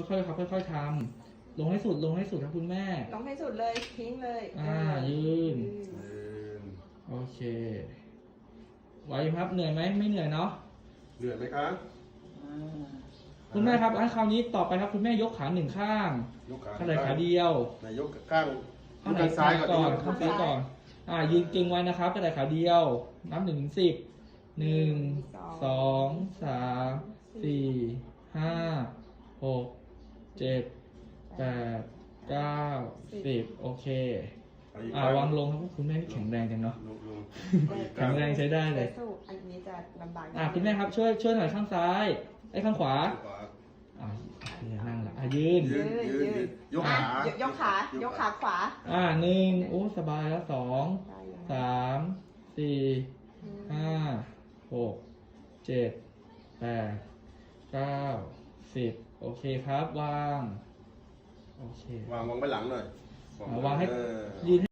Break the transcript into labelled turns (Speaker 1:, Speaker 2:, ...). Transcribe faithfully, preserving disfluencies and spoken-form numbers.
Speaker 1: ค่อยๆครับค่อยๆทำลงให้สุดลงให้สุดครับคุณแม่
Speaker 2: ลงให้สุดเลยทิ้งเลย
Speaker 1: อ่ายืน
Speaker 3: ยืน
Speaker 1: โอเคไหวครับเหนื่อยไหมไม่เหนื่อยเนาะ
Speaker 3: เหนื่อยไหมครับ
Speaker 1: คุณแม่ครับอันคราวนี้ต่อไปครับคุณแม่ยกขาหนึ่งข้าง
Speaker 3: ยกขา
Speaker 1: ข้างไหนขาเดียว
Speaker 3: ไหนยกข้าง
Speaker 1: ข้างไหน
Speaker 3: ข้างซ้ายก่อน
Speaker 1: ก่อน
Speaker 3: ดิ
Speaker 1: ข้างซ้ายก่อนอ่ายืนเก่งไว้นะครับข้างไหนขาเดียวนับหนึ่งถึงสิบหนึ่งสองสามสี่ห้าหกเจ็ดแปดเก้าสิบโอเคอ่าวางลงครับคุณแม่ที่แข็งแรงจังเนาะ
Speaker 3: ลงลง
Speaker 1: แข็งแรงใช้ได้เลย
Speaker 2: สู้อันนี้จะลำบาก
Speaker 1: อ่าคุณแม่ครับช่วยช่วยหน่อยข้างซ้ายไอ้ข้างขวา
Speaker 3: ขวา
Speaker 1: อ่านั่งละอ่ะยืน
Speaker 3: ยืนยืนยืนยก
Speaker 2: อ่ะ
Speaker 3: ขาย
Speaker 2: กขายกขาขวา
Speaker 1: อ่าหนึ่งโอ้สบายแล้วสองสามสี่ห้าหกเจ็ดแปดเก้าสิบโอเคครับวางโอเคว
Speaker 3: างวางไปหลังหน่อย
Speaker 1: อ่าวางให้
Speaker 3: เออ
Speaker 1: ยืน